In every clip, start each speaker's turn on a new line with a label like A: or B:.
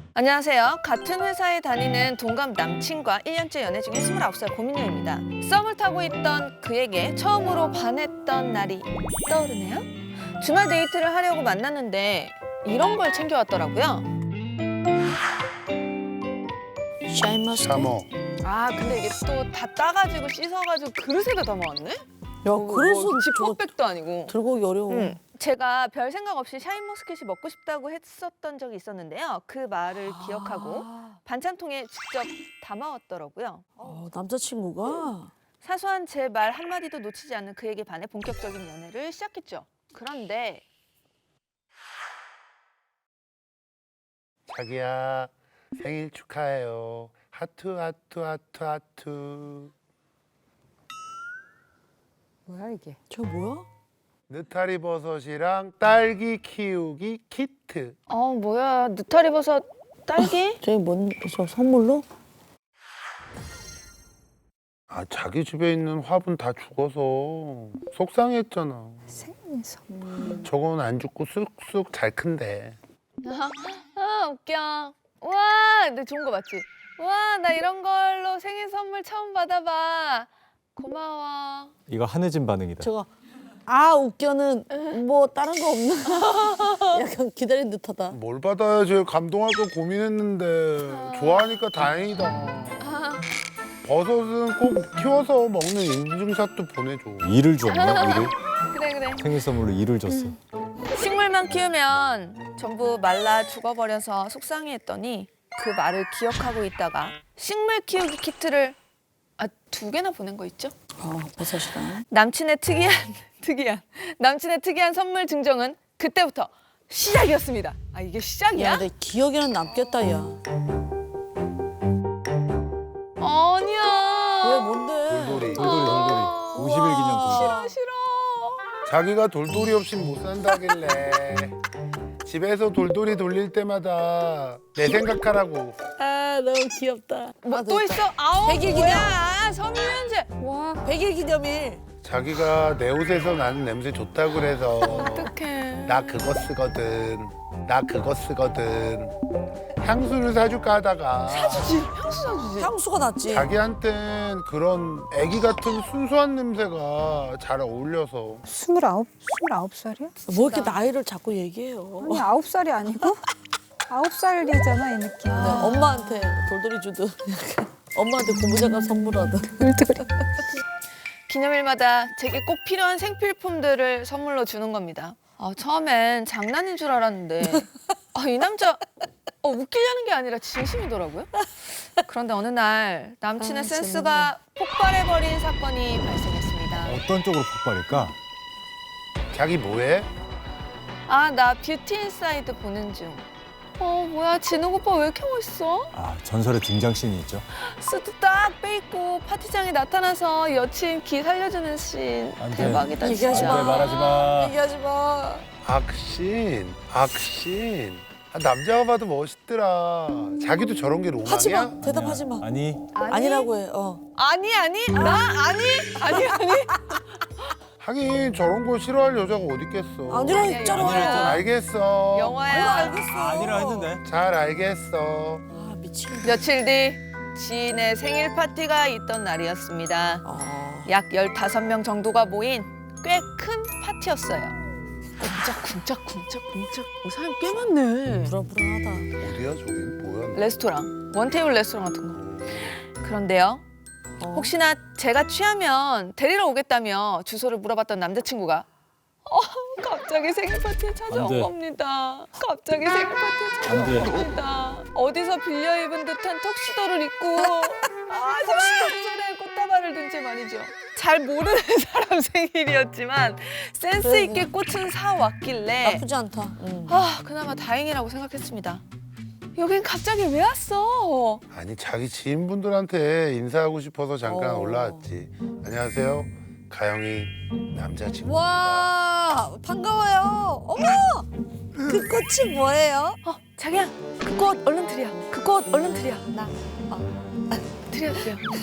A: 안녕하세요. 같은 회사에 다니는 동갑 남친과 1년째 연애 중인 29살 고민녀입니다. 썸을 타고 있던 그에게 처음으로 반했던 날이 떠오르네요. 주말 데이트를 하려고 만났는데 이런 걸 챙겨왔더라고요.
B: 샤인머스켓?
C: 샤머.
A: 아 근데 이게 또 다 따가지고 씻어가지고 그릇에다 담아왔네?
B: 야, 그래서 저거
A: 지퍼백도 아니고.
B: 들고 오기 어려워.
A: 제가 별 생각 없이 샤인머스켓이 먹고 싶다고 했었던 적이 있었는데요. 그 말을 기억하고 반찬통에 직접 담아왔더라고요.
B: 남자친구가?
A: 사소한 제 말 한마디도 놓치지 않는 그에게 반해 본격적인 연애를 시작했죠. 그런데
C: 자기야 생일 축하해요. 하트 하트 하트 하트.
D: 뭐야 이게?
B: 저 뭐야?
C: 느타리 버섯이랑 딸기 키우기 키트.
A: 뭐야 느타리 버섯 딸기?
B: 저기 저 선물로?
C: 아 자기 집에 있는 화분 다 죽어서 속상했잖아.
D: 생일 선물.
C: 저건 안 죽고 쑥쑥 잘 큰데.
A: 아 웃겨. 와 근데 좋은 거 맞지? 와 나 이런 걸로 생일 선물 처음 받아봐. 고마워.
E: 이거 한혜진 반응이다.
B: 저거 웃겨는 뭐 다른 거 없나? 약간 기다린 듯하다.
C: 뭘 받아야지 감동할까 고민했는데 좋아하니까 다행이다. 버섯은 꼭 키워서 먹는 인증샷도 보내줘.
E: 이를 줬나? 이를?
A: 그래.
E: 생일 선물로 이를 줬어.
A: 식물만 키우면 전부 말라 죽어버려서 속상해했더니 그 말을 기억하고 있다가 식물 키우기 키트를 2개나 보낸 거 있죠?
B: 버섯이랑.
A: 남친의 특이한 선물 증정은 그때부터 시작이었습니다. 이게 시작이야?
B: 야, 내 기억에는 남겠다, 야.
A: 아니야.
B: 왜, 뭔데?
C: 돌돌이.
E: 돌돌이 50일 기념 돌돌이.
A: 싫어.
C: 자기가 돌돌이 없이 못 산다길래 집에서 돌돌이 돌릴 때마다 내 생각하라고.
B: 너무 귀엽다.
A: 또 있어?
B: 100일
A: 뭐야? 섬유유연제.
D: 와
B: 100일 기념일.
C: 자기가 내 옷에서 나는 냄새 좋다고 그래서
A: 어떡해.
C: 나 그거 쓰거든 향수를 사줄까 하다가
A: 사주지. 향수 사주지.
B: 향수가 낫지.
C: 자기한텐 그런 애기 같은 순수한 냄새가 잘 어울려서
D: 29살이야?
B: 뭐 이렇게 나이를 자꾸 얘기해요.
D: 아니 9살이 아니고 9살이잖아 이 느낌.
B: 엄마한테 돌돌이 주듯. 엄마한테 고무장갑 선물하듯.
A: 기념일마다 제게 꼭 필요한 생필품들을 선물로 주는 겁니다. 처음엔 장난인 줄 알았는데 이 남자 웃기려는 게 아니라 진심이더라고요. 그런데 어느 날 남친의 센스가 폭발해버린 사건이 발생했습니다.
E: 어떤 쪽으로 폭발일까?
C: 자기 뭐해?
A: 나 뷰티 인사이드 보는 중. 뭐야 진욱 오빠 왜 이렇게 멋있어?
E: 전설의 등장씬이 있죠.
A: 수트 딱 빼입고 파티장에 나타나서 여친 기 살려주는 씬
E: 안 돼.
A: 대박이다
B: 얘기하지
A: 진짜.
B: 마.
E: 말하지 마.
B: 얘기하지 마.
C: 악신 남자가 봐도 멋있더라. 자기도 저런 게
B: 하지
C: 로망이야?
B: 마. 대답하지 마.
E: 아니,
B: 아니라고 해.
A: 아니 나 아니
C: 하긴 저런 거 싫어할 여자가 어디 있겠어.
B: 아니라
A: 아니야,
B: 했잖아.
A: 아니라
C: 알겠어.
A: 영화야.
B: 알겠어.
E: 아니라 했는데.
C: 잘 알겠어.
B: 미치겠네.
A: 며칠 뒤 지인의 생일 파티가 있던 날이었습니다. 약 15명 정도가 모인 꽤 큰 파티였어요. 쿵짝쿵짝. 사람 꽤 많네.
B: 불안불안하다.
C: 어디야 저기 뭐야?
A: 레스토랑, 원테이블 레스토랑 같은 거. 그런데요. 혹시나 제가 취하면 데리러 오겠다며 주소를 물어봤던 남자친구가 갑자기 생일 파티에 찾아온
E: 안 돼.
A: 겁니다. 갑자기 생일 파티에
E: 안 돼.
A: 찾아온 겁니다. 어디서 빌려 입은 듯한 턱시도를 입고 손에 꽃다발을 든 채 말이죠. 잘 모르는 사람 생일이었지만 센스 있게 꽃은 사왔길래
B: 나쁘지 않다.
A: 그나마 다행이라고 생각했습니다. 여긴 갑자기 왜 왔어?
C: 아니 자기 지인분들한테 인사하고 싶어서 잠깐 올라왔지. 안녕하세요. 가영이 남자친구.
B: 와, 반가워요. 어머! 그 꽃이 뭐예요?
A: 자기야, 그 꽃 얼른 드려. 그 꽃 얼른 드려. 드려.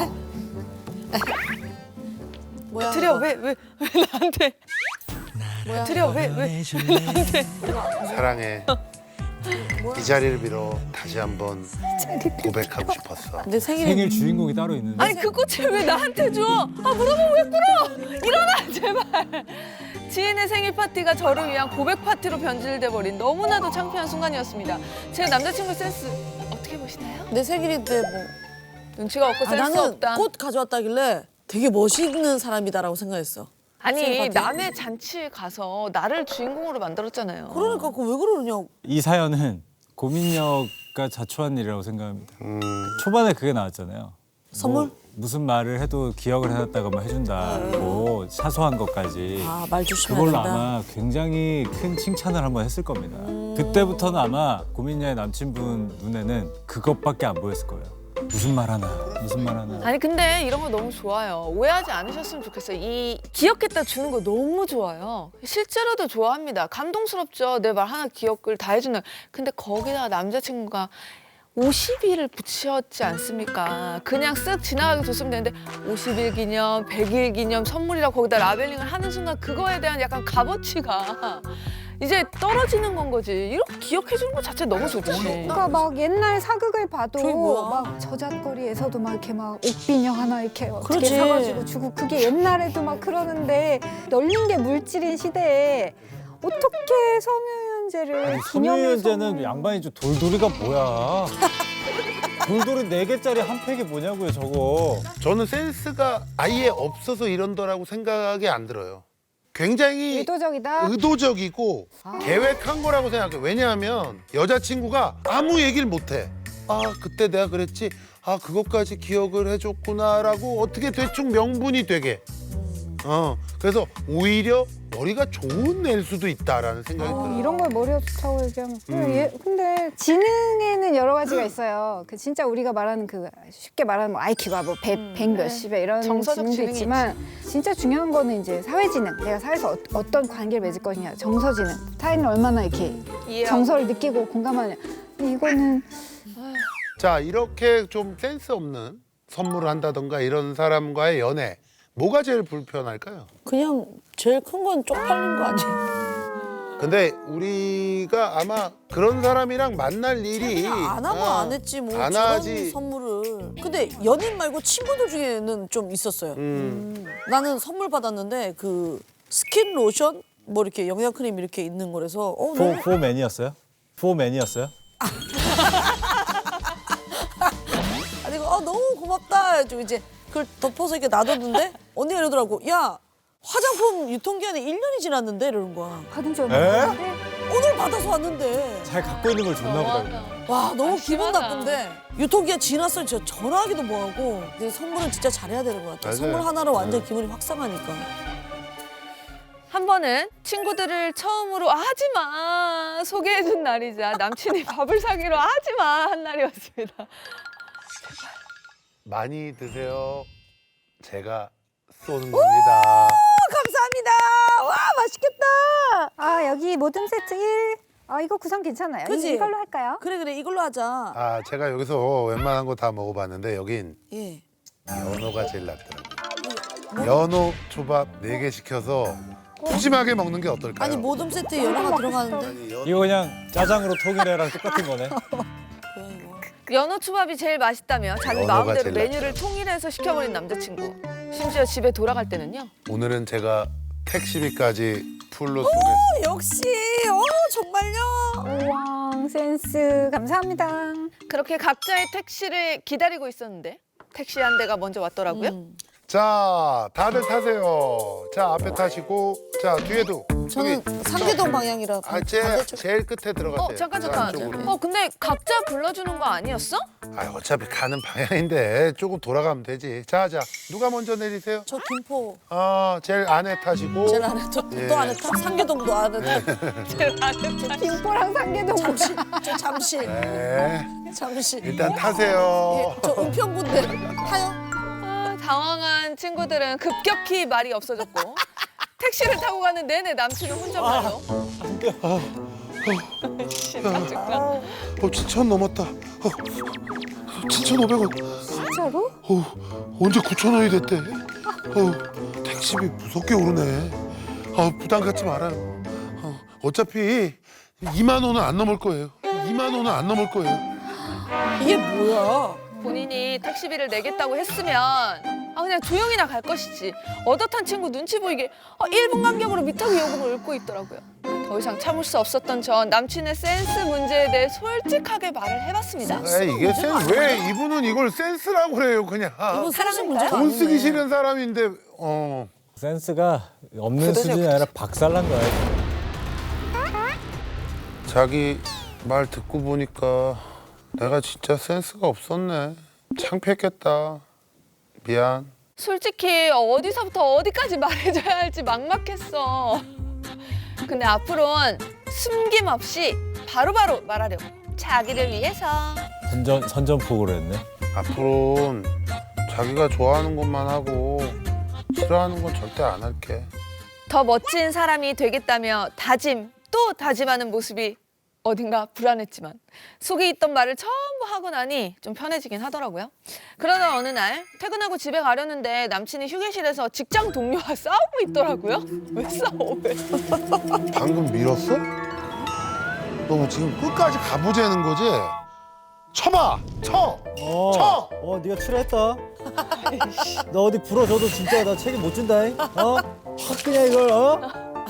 B: 뭐야?
A: 드려. 왜 나한테?
B: 뭐야?
A: 드려. 왜 나한테?
C: 사랑해. 이 자리를 빌어 다시 한번 고백하고 싶었어.
B: 내
E: 생일 주인공이 따로 있는데.
A: 아니 그 꽃을 왜 나한테 줘? 아 물어보면 왜 꿇어? 일어나 제발. 지인의 생일 파티가 저를 위한 고백 파티로 변질돼 버린 너무나도 창피한 순간이었습니다. 제 남자친구 센스 어떻게 보시나요?
B: 내 생일인데 뭐.
A: 눈치가 없고 센스
B: 나는
A: 없다.
B: 꽃 가져왔다길래 되게 멋있는 사람이다라고 생각했어. 생일
A: 아니
B: 파티?
A: 남의 잔치에 가서 나를 주인공으로 만들었잖아요.
B: 그러니까 그 왜 그러냐고.
E: 이 사연은 고민녀가 자초한 일이라고 생각합니다. 초반에 그게 나왔잖아요.
B: 선물?
E: 뭐 무슨 말을 해도 기억을 해놨다가 해준다고 사소한 것까지.
B: 아, 말 조심해야
E: 그걸로
B: 된다.
E: 아마 굉장히 큰 칭찬을 한번 했을 겁니다. 그때부터는 아마 고민녀의 남친분 눈에는 그것밖에 안 보였을 거예요. 무슨 말 하나, 무슨 말 하나.
A: 아니 근데 이런 거 너무 좋아요. 오해하지 않으셨으면 좋겠어요. 이 기억했다 주는 거 너무 좋아요. 실제로도 좋아합니다. 감동스럽죠. 내 말 하나 기억을 다 해주는. 근데 거기다가 남자친구가 50일을 붙였지 않습니까? 그냥 쓱 지나가게 줬으면 되는데 50일 기념, 100일 기념 선물이라고 거기다 라벨링을 하는 순간 그거에 대한 약간 값어치가 이제 떨어지는 건 거지. 이렇게 기억해 주는 것 자체 너무 좋지.
D: 그러니까 막 옛날 사극을 봐도
B: 저게 뭐야?
D: 막 저잣거리에서도 막 이렇게 막 옥비녀 하나 이렇게 어떻게
B: 그렇지.
D: 사가지고 주고 그게 옛날에도 막 그러는데 널린 게 물질인 시대에 어떻게 섬유유연제를
E: 섬유유연제는 양반이 좀 돌돌이가 뭐야? 돌돌이 4개짜리 한 팩이 뭐냐고요, 저거.
C: 저는 센스가 아예 없어서 이런다라고 생각이 안 들어요. 굉장히
D: 의도적이다.
C: 의도적이고 계획한 거라고 생각해요. 왜냐하면 여자친구가 아무 얘기를 못해. 아 그때 내가 그랬지. 아 그것까지 기억을 해줬구나라고 어떻게 대충 명분이 되게. 그래서 오히려 머리가 좋은 애일 수도 있다라는 생각이 들어요.
D: 이런 걸 머리가 좋다고 얘기하면 근데 지능에는 여러 가지가 있어요. 그 진짜 우리가 말하는 그 쉽게 말하는 뭐 IQ가 뭐 100 몇십에 이런
A: 정서적
D: 지능도
A: 지능이
D: 있지만 진짜 중요한 거는 이제 사회 지능. 내가 사회에서 어떤 관계를 맺을 것이냐. 정서 지능. 타인을 얼마나 이렇게
A: 이해하고.
D: 정서를 느끼고 공감하냐. 근데 이거는
C: 자 이렇게 좀 센스 없는 선물을 한다던가 이런 사람과의 연애 뭐가 제일 불편할까요?
B: 그냥 제일 큰 건 쪽팔린 거 아니에요?
C: 근데 우리가 아마 그런 사람이랑 만날 일이
B: 안 하면 안 했지 뭐
C: 안
B: 저런
C: 하지.
B: 선물을. 근데 연인 말고 친구들 중에는 좀 있었어요. 나는 선물 받았는데 그 스킨 로션 뭐 이렇게 영양 크림 이렇게 있는 거라서 너무
E: 포맨이었어요? 포맨이었어요?
B: 아니 이거 너무 고맙다 해가지고 이제 그걸 덮어서 이렇게 놔뒀는데 언니가 이러더라고. 야 화장품 유통기한이 1년이 지났는데 이러는 거야.
D: 받은 지
E: 에?
D: 얼마 됐는데
B: 오늘 받아서 왔는데.
E: 잘 갖고 있는 걸 줬나 보다.
B: 와 너무 기분
A: 심하다.
B: 나쁜데 유통기한 지났어. 진짜 전화하기도 뭐하고. 근데 선물은 진짜 잘해야 되는 것 같아.
C: 맞아요.
B: 선물 하나로 완전 기분이 확 상하니까.
A: 한 번은 친구들을 처음으로 하지마 소개해준 날이자 남친이 밥을 사기로 하지마 한 날이었습니다.
C: 많이 드세요. 제가 쏘는 겁니다.
B: 감사합니다. 와 맛있겠다.
D: 아 여기 모듬 세트 1. 아 이거 구성 괜찮아요.
B: 그치?
D: 이걸로 할까요?
B: 그래 이걸로 하자.
C: 아 제가 여기서 웬만한 거 다 먹어봤는데 여긴
B: 예.
C: 연어가 제일 낫더라고요. 연어 초밥 4개 시켜서 푸짐하게 먹는 게 어떨까요?
B: 아니 모듬 세트에 연어가 들어가는데.
C: 아니, 연어
E: 이거 그냥 짜장으로 통일해랑 똑같은 거네.
A: 연어 초밥이 제일 맛있다며 자기
C: 연어가
A: 마음대로
C: 제일
A: 메뉴를 통일해서 시켜버린 남자친구. 심지어 집에 돌아갈 때는요.
C: 오늘은 제가 택시비까지 풀로 쏘겠습니다.
B: 역시 정말요.
D: 우왕 센스 감사합니다.
A: 그렇게 각자의 택시를 기다리고 있었는데 택시 한 대가 먼저 왔더라고요.
C: 자, 다들 타세요. 자, 앞에 타시고, 자, 뒤에도.
B: 저는 상계동 방향이라
C: 아,
B: 반대쪽.
C: 제일 끝에 들어가세요.
A: 잠깐
C: 자,
A: 잠깐.
C: 안쪽으로.
A: 근데 각자 불러주는 거 아니었어?
C: 아, 어차피 가는 방향인데 조금 돌아가면 되지. 자, 누가 먼저 내리세요?
B: 저 김포
C: 제일 안에 타시고.
B: 제일 안에 또
C: 예.
B: 안에 타. 상계동도 안에 타.
D: 김포랑 상계동
B: 잠시 저 잠시
C: 네,
B: 잠시.
C: 일단 타세요.
B: 예, 저 은평군데 타요.
A: 당황한 친구들은 급격히 말이 없어졌고 택시를 타고 가는 내내 남친은 혼잣말로
C: 7,000 넘었다. 7,500원.
D: 진짜로?
C: 언제 9,000원이 됐대? 택시비 무섭게 오르네. 부담 갖지 말아요. 어차피 2만 원은 안 넘을 거예요. 2만 원은 안 넘을 거예요.
B: 이게 뭐야?
A: 본인이 택시비를 내겠다고 했으면 그냥 조용히나 갈 것이지. 얻어탄 친구 눈치 보이게 1분 간격으로 미터기 요금을 읊고 있더라고요. 더 이상 참을 수 없었던 전 남친의 센스 문제에 대해 솔직하게 말을 해봤습니다.
C: 에이, 이게 센스 왜 이분은 이걸 센스라고 그래요 그냥.
B: 이건 사실 문제가
C: 돈 쓰기
B: 아니네.
C: 싫은 사람인데
E: 센스가 없는 수준이 아니라 박살난 거야.
C: 자기 말 듣고 보니까 내가 진짜 센스가 없었네. 창피했겠다. 미안.
A: 솔직히 어디서부터 어디까지 말해줘야 할지 막막했어. 근데 앞으로는 숨김없이 바로바로 말하려고. 자기를 위해서.
E: 선전포고를 했네.
C: 앞으로는 자기가 좋아하는 것만 하고 싫어하는 건 절대 안 할게.
A: 더 멋진 사람이 되겠다며 다짐 또 다짐하는 모습이 어딘가 불안했지만 속에 있던 말을 전부 하고 나니 좀 편해지긴 하더라고요. 그러다 어느 날 퇴근하고 집에 가려는데 남친이 휴게실에서 직장 동료와 싸우고 있더라고요. 왜 싸워? 왜?
C: 방금 밀었어? 너 뭐 지금 끝까지 가보자는 거지? 쳐봐! 쳐! 쳐!
F: 네가 출했다. 너 어디 부러져도 진짜 나 책임 못 준다. 확 그냥 이걸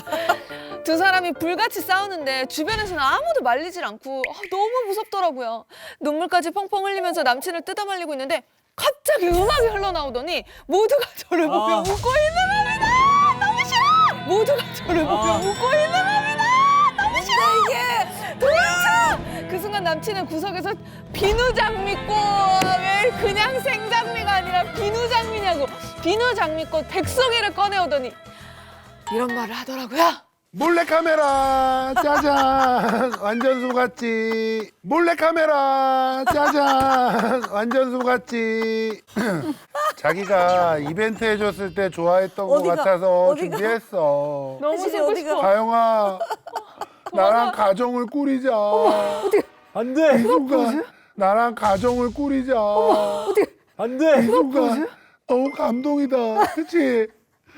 A: 두 사람이 불같이 싸우는데 주변에서는 아무도 말리질 않고 너무 무섭더라고요. 눈물까지 펑펑 흘리면서 남친을 뜯어말리고 있는데 갑자기 음악이 흘러나오더니 모두가 저를 보며 웃고 있는 겁니다. 너무 싫어. 모두가 저를 보며 웃고 있는 겁니다. 너무 싫어. 이게 도대체 그 순간 남친은 구석에서 비누 장미꽃, 왜 그냥 생장미가 아니라 비누 장미냐고, 비누 장미꽃 100송이를 꺼내오더니 이런 말을 하더라고요.
C: 몰래카메라 짜잔 완전 속았지. 몰래카메라 짜잔 완전 속았지. 자기가 이벤트 해줬을 때 좋아했던 것
B: 어디가?
C: 같아서
B: 어디가?
C: 준비했어.
A: 너무
B: 혜진이
A: 쓰고
B: 어디가?
A: 싶어.
C: 가영아 나랑 가정을 꾸리자.
F: 안 돼.
C: 이수가 나랑 가정을 꾸리자.
F: 안 돼.
C: 이수가 너무 감동이다. 그치?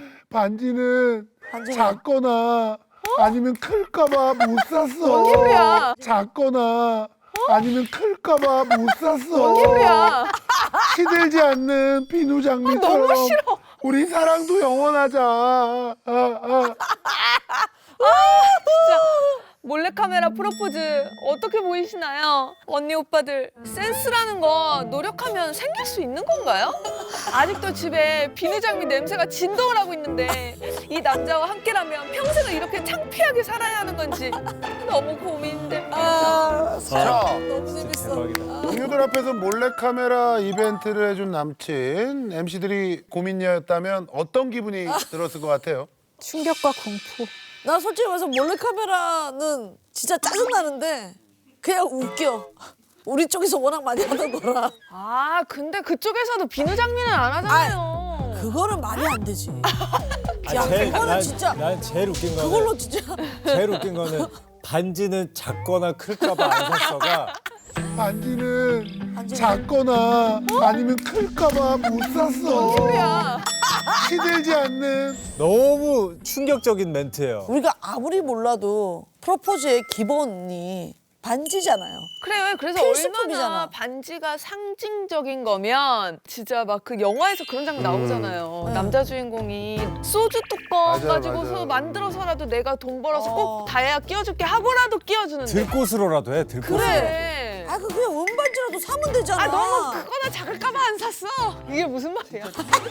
C: 반지는 작거나 아니면 클까봐 못 샀어.
A: 기분이야?
C: 작거나 아니면 클까봐 못 샀어.
A: 기분이야?
C: 시들지 않는 비누 장미처럼
A: 너무 싫어.
C: 우리 사랑도 영원하자.
A: 진짜 몰래카메라 프로포즈 어떻게 보이시나요? 언니 오빠들 센스라는 거 노력하면 생길 수 있는 건가요? 아직도 집에 비누장미 냄새가 진동을 하고 있는데 이 남자와 함께라면 평생을 이렇게 창피하게 살아야 하는 건지 너무 고민됩니다.
C: 자,
B: 너무 재밌어.
E: 대박이다.
C: 동료들 앞에서 몰래카메라 이벤트를 해준 남친 MC들이 고민녀였다면 어떤 기분이 들었을 것 같아요?
D: 충격과 공포.
B: 나 솔직히 말해서 몰래카메라는 진짜 짜증나는데 그냥 웃겨. 우리 쪽에서 워낙 많이 하던 거라.
A: 아 근데 그쪽에서도 비누장미는 안 하잖아요.
B: 그거는 말이 안 되지. 야, 그거는 진짜
E: 난 제일 웃긴 거는
B: 그걸로 진짜
E: 제일 웃긴 거는 반지는 작거나 클까봐 안 샀어가
C: 반지는 작거나 아니면 클까봐 못 샀어.
A: 야
C: 시들지 않는
E: 너무 충격적인 멘트예요.
B: 우리가 아무리 몰라도 프로포즈의 기본이 반지잖아요.
A: 그래요. 그래서
B: 필수품이잖아.
A: 얼마나 반지가 상징적인 거면 진짜 막 그 영화에서 그런 장면 나오잖아요. 남자 주인공이 소주 뚜껑
C: 맞아,
A: 가지고서
C: 맞아.
A: 만들어서라도 내가 돈 벌어서 꼭 다이아 끼워줄게 하고라도 끼워주는데.
E: 들꽃으로라도 해. 들꽃으로.
A: 그래.
B: 아, 그냥 은반지라도 사면 되잖아.
A: 아 너무 그거나 작을까봐 안 샀어. 이게 무슨 말이야?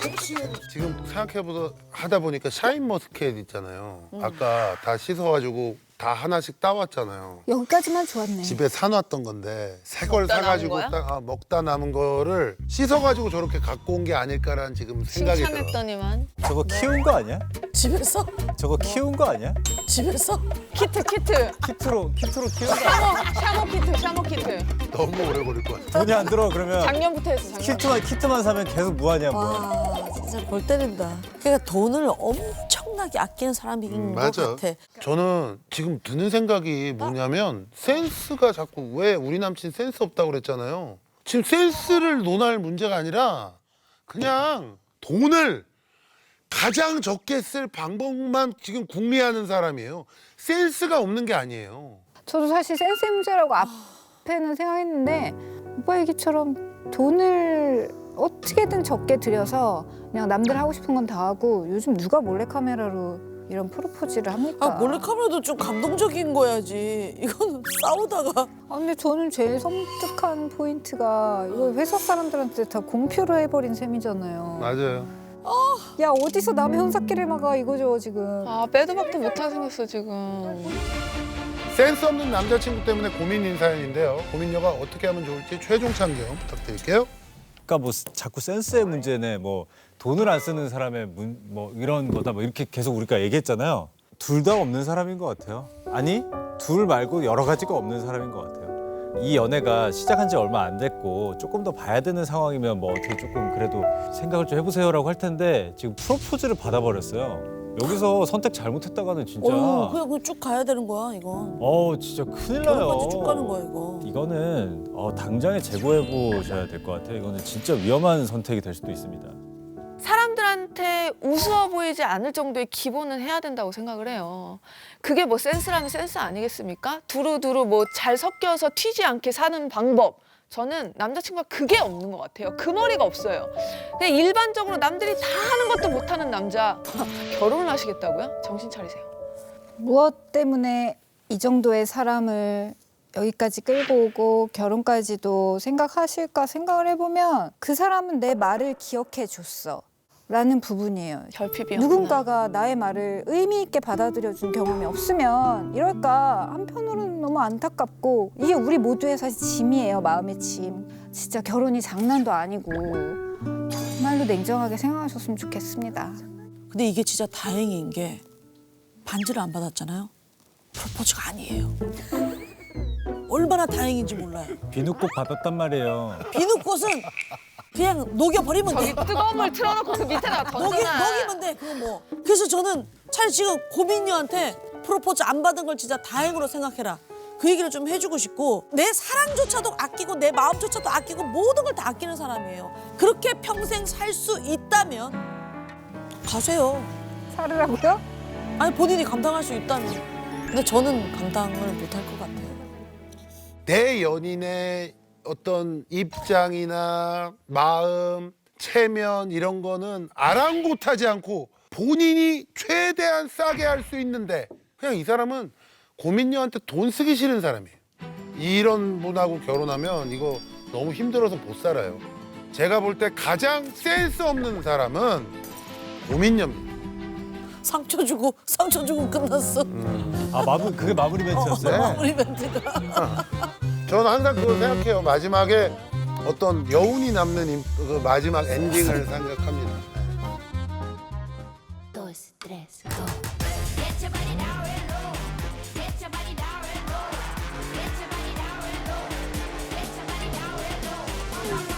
C: 지금 생각해보다 하다 보니까 샤인머스켓 있잖아요. 아까 다 씻어가지고 다 하나씩 따왔잖아요.
D: 여기까지만 좋았네.
C: 집에 사놨던 건데 새 걸
A: 먹다 남은
C: 사가지고
A: 거야?
C: 먹다 남은 거를 씻어가지고 저렇게 갖고 온 게 아닐까라는 지금 생각이 들어.
A: 칭찬했더니만.
E: 저거 키운 거 아니야?
B: 집에서?
E: 저거 키운 거 아니야?
B: 집에서?
A: 키트.
E: 키트로 키운 거 아니야?
A: 샤워 키트.
C: 너무 오래 걸릴 것 같아.
E: 돈이 안 들어 그러면
A: 작년부터 했어. 작년.
E: 키트만 사면 계속 무하냐 뭐.
B: 와, 진짜 골 때린다. 그러니까 돈을 엄청나게 아끼는 사람인 것
C: 맞아.
B: 같아.
C: 저는 지금 드는 생각이 뭐냐면 센스가 자꾸 왜 우리 남친 센스 없다고 그랬잖아요. 지금 센스를 논할 문제가 아니라 그냥 돈을 가장 적게 쓸 방법만 지금 궁리하는 사람이에요. 센스가 없는 게 아니에요.
D: 저도 사실 센스의 문제라고 앞에는 생각했는데 오빠 얘기처럼 돈을 어떻게든 적게 들여서 그냥 남들 하고 싶은 건 다 하고 요즘 누가 몰래카메라로 이런 프로포즈를 합니까?
B: 아 몰래카메라도 좀 감동적인 거야지. 이건 싸우다가
D: 근데 저는 제일 섬뜩한 포인트가 이거 회사 사람들한테 다 공표를 해버린 셈이잖아요.
C: 맞아요.
D: 야 어디서 남의 혼사끼를 막아 이거죠 지금.
A: 아 빼도 박도 못하게 생겼어 지금.
C: 센스 없는 남자친구 때문에 고민인 사연인데요. 고민녀가 어떻게 하면 좋을지 최종 참견 부탁드릴게요.
E: 그러니까 뭐 자꾸 센스의 문제네, 뭐 돈을 안 쓰는 사람의 뭐 이런 거다, 뭐 이렇게 계속 우리가 얘기했잖아요. 둘 다 없는 사람인 것 같아요. 아니, 둘 말고 여러 가지가 없는 사람인 것 같아요. 이 연애가 시작한 지 얼마 안 됐고 조금 더 봐야 되는 상황이면 뭐 어떻게 조금 그래도 생각을 좀 해보세요라고 할 텐데 지금 프로포즈를 받아버렸어요. 여기서 선택 잘못했다가는 진짜
B: 그냥 쭉 가야 되는 거야 이건.
E: 진짜 큰일 나요.
B: 결혼까지 쭉 가는 거야 이거.
E: 이거는 당장에 재고해 보셔야 될 것 같아요. 이거는 진짜 위험한 선택이 될 수도 있습니다.
A: 사람들한테 우스워 보이지 않을 정도의 기본은 해야 된다고 생각을 해요. 그게 뭐 센스라면 센스 아니겠습니까? 두루두루 뭐 잘 섞여서 튀지 않게 사는 방법. 저는 남자친구가 그게 없는 것 같아요. 그 머리가 없어요. 그냥 일반적으로 남들이 다 하는 것도 못하는 남자 결혼을 하시겠다고요? 정신 차리세요.
D: 무엇 때문에 이 정도의 사람을 여기까지 끌고 오고 결혼까지도 생각하실까 생각을 해보면 그 사람은 내 말을 기억해 줬어 라는 부분이에요.
A: 결핍이
D: 누군가가 나의 말을 의미 있게 받아들여준 경험이 없으면 이럴까 한편으로는 너무 안타깝고 이게 우리 모두의 사실 짐이에요. 마음의 짐. 진짜 결혼이 장난도 아니고 정말로 냉정하게 생각하셨으면 좋겠습니다.
B: 근데 이게 진짜 다행인 게 반지를 안 받았잖아요. 프로포즈가 아니에요. 얼마나 다행인지 몰라요.
E: 비누꼭 받았단 말이에요.
B: 비누꽃은 그냥 녹여버리면 돼.
A: 저기 뜨거운 물 틀어놓고 그 밑에다가 던져놔.
B: 녹이면 돼. 그거 뭐. 그래서 저는 차라리 지금 고민녀한테 프로포즈 안 받은 걸 진짜 다행으로 생각해라. 그 얘기를 좀 해주고 싶고 내 사랑조차도 아끼고 내 마음조차도 아끼고 모든 걸 다 아끼는 사람이에요. 그렇게 평생 살 수 있다면 가세요.
D: 살으라고요?
B: 아니 본인이 감당할 수 있다면. 근데 저는 감당을 못할 것 같아요.
C: 내 연인의 어떤 입장이나 마음, 체면 이런 거는 아랑곳하지 않고 본인이 최대한 싸게 할 수 있는데 그냥 이 사람은 고민녀한테 돈 쓰기 싫은 사람이에요. 이런 분하고 결혼하면 이거 너무 힘들어서 못 살아요. 제가 볼 때 가장 센스 없는 사람은 고민녀입니다.
B: 상처 주고 끝났어.
E: 그게 마무리 멘트였어요?
B: 마무리 멘트가.
C: 저는 항상 그걸 생각해요. 마지막에 어떤 여운이 남는 그 마지막 엔딩을 생각합니다.
G: Dos, tres, go. Get your body down and low. Get your body down and low. Get your body down and low. Get your body down and low.